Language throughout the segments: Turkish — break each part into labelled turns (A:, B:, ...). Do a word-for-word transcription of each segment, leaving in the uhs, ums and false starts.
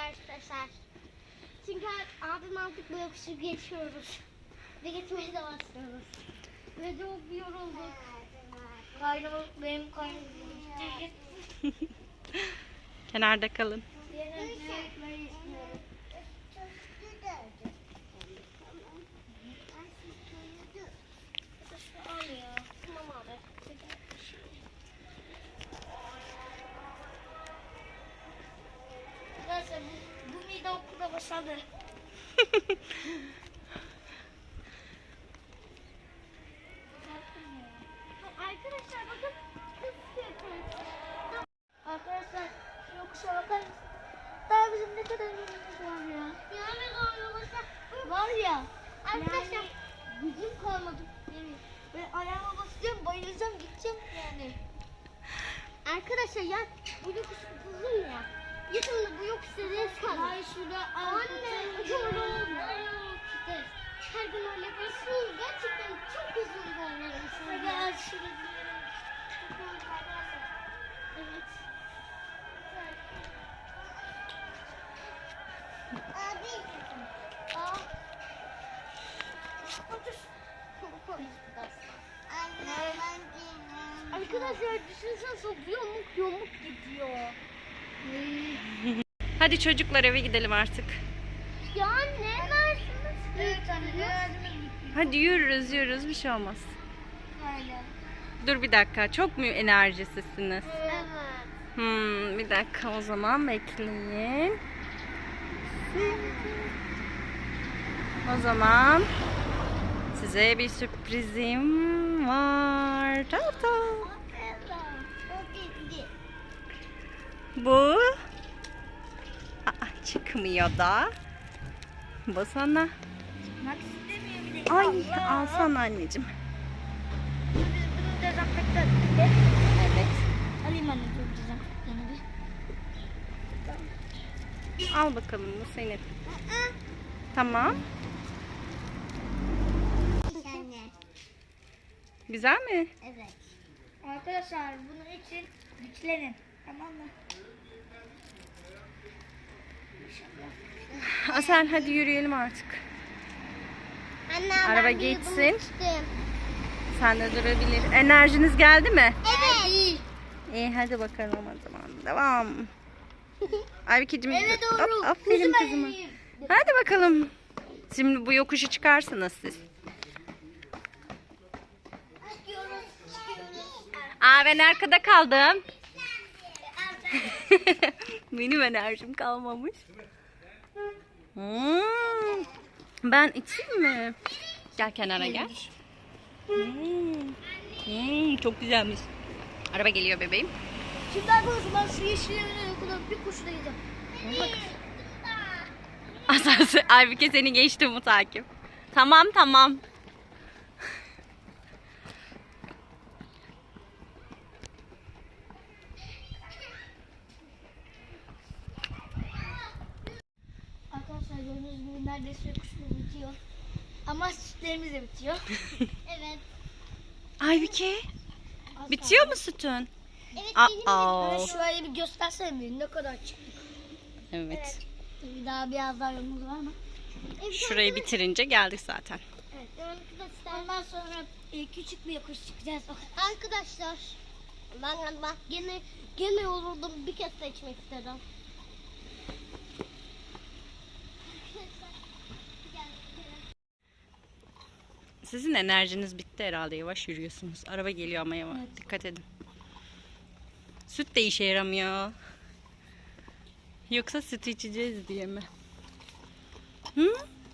A: arkadaşlar. Çünkü abim artık bu yokuşu geçiyoruz. Ve geçmeye de başlıyoruz. Ve çok yorulduk. Kaynama, benim kaynama.
B: Kenarda kalın.
A: Neyse bu, bu mide okulda başladı. Arkadaşlar bakın. Arkadaşlar şu yokuşa bakar mısınız? Daha bizim ne kadar yolumuz var ya. Yani yolumuzda var ya. Arkadaşlar yani, gücüm kalmadı. Yani, ben ayağıma basacağım, bayılacağım, gideceğim yani. Arkadaşlar ya bu yokuş uzun ya. Yakında bu yokuşta res kalır. Hayır şurada anne yolumuz var. Her gün öyle yapıyorsunuz. Gerçekten çok uzun yollarımız. Gel şurada. Evet. Abi. Aa. Otur. Arkadaşlar düşünsene çok yamuk yamuk gidiyor.
B: Hadi çocuklar eve gidelim artık.
A: Ya anne versiniz? Evet anne.
B: Hadi yürürüz yürürüz bir şey olmaz.
A: Öyle.
B: Dur bir dakika, çok mu enerjisizsiniz?
A: Evet.
B: Hmm, bir dakika o zaman bekleyin. O zaman size bir sürprizim var. Tata. Bu Aa, çıkmıyor da. Bu sana. Ay alsana anneciğim.
A: Bunu dezenfektan.
B: Evet.
A: Alayım anne dur dezenfektanı bir.
B: Al bakalım bu senin. Tamam. Güzel mi?
A: Evet. Arkadaşlar bunun için güçlenin. Tamam mı?
B: Asel hadi yürüyelim artık.
A: Anne,
B: Araba
A: ben bir
B: geçsin.
A: yudum içtim.
B: Sen de durabilir. Enerjiniz geldi mi?
A: Evet.
B: İyi hadi bakalım o zaman. Devam. Aybikeciğim.
A: Evet doğru.
B: Aferin
A: Kızım
B: kızıma.
A: benim.
B: Hadi bakalım. Şimdi bu yokuşu çıkarsınız siz.
A: Çıkıyoruz, çıkıyoruz.
B: Aa ben arkada kaldım. Benim enerjim kalmamış. Hmm. Ben içeyim mi? Gel kenara gel. Hmm. Hmm, çok güzelmiş. Araba geliyor bebeğim.
A: Şimdi arkadaşlar ben şu yeşillerin kadar bir kurşuna gideceğim.
B: Asası Aybike seni geçti bu takip. Tamam tamam.
A: Arkadaşlar gördüğünüz gibi neredeyse kuşumuz bitiyor. Ama sütlerimiz de bitiyor. Evet.
B: Aybike bitiyor mu sütün?
A: Evet
B: Aa.
A: benim de. Şöyle bir göstersene bir ne kadar çıktı.
B: Evet.
A: Tabii daha biraz daha yolumuz var ama. Evet,
B: Şurayı bitirince geldik zaten.
A: Evet. Arkadaşlar. Ondan sonra e, küçük bir yokuş çıkacağız. Arkadaşlar. Ben bak gene gene yoruldum bir kez seçmek istedim.
B: Sizin enerjiniz bitti herhalde. Yavaş yürüyorsunuz. Araba geliyor ama yavaş.
A: Evet.
B: Dikkat edin. Süt de işe yaramıyor. Yoksa süt içeceğiz diye mi? Hı?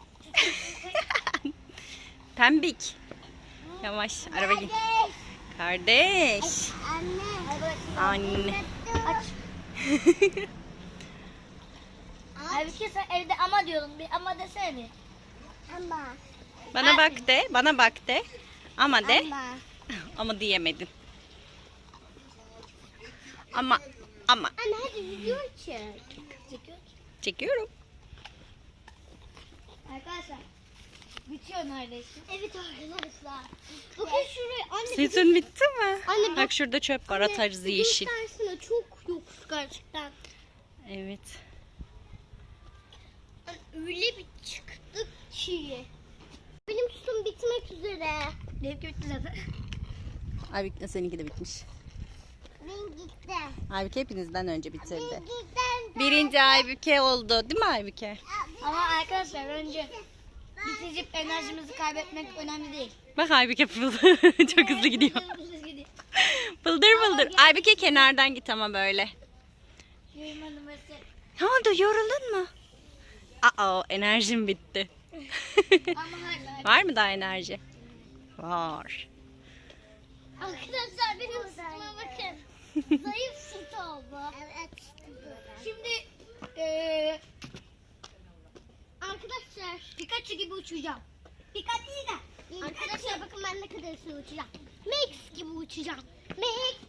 B: Pembik. Yavaş. Araba gel. Kardeş.
A: Anne.
B: Anne.
A: Aç. Abi ki sen evde ama diyordun. Bir ama desene bir. Ama.
B: Bana bak de. Bana bak de. Ama de.
A: Ama.
B: Ama diyemedin. Ama. Ama.
A: Anne hadi video çek. Çekiyor.
B: Çekiyorum.
A: Arkadaşlar. Bitiyor neredeyse. Evet arkadaşlar. Bakın şuraya. Anne.
B: Sütün bitti mi?
A: Anne bak.
B: Bak şurada çöp var. Atarız yeşil.
A: Göstersene çok yokuş gerçekten.
B: Evet.
A: Benimki bitti zaten.
B: Aybüke seninki de bitmiş.
A: Ben gitti.
B: Aybüke hepinizden önce bitirdi.
A: Gittim.
B: Birinci Aybüke oldu değil mi Aybüke?
A: Ama arkadaşlar önce bitirip enerjimizi kaybetmek önemli değil.
B: Bak Aybüke fırıldı. Çok hızlı gidiyor. Bıldır bıldır. Aybüke kenardan git ama böyle.
A: Yürümedim mesela.
B: Ne oldu, yoruldun mu? Aa, enerjim bitti.
A: Ama hala.
B: Var mı daha enerji? Var.
A: Arkadaşlar benim sütüme bakın. Zayıf süt oldu. Evet. Şimdi eee arkadaşlar Pikachu gibi uçacağım. Pikachu değil de. Arkadaşlar bakın ben ne kadar hızlı uçacağım. Max gibi uçacağım. Max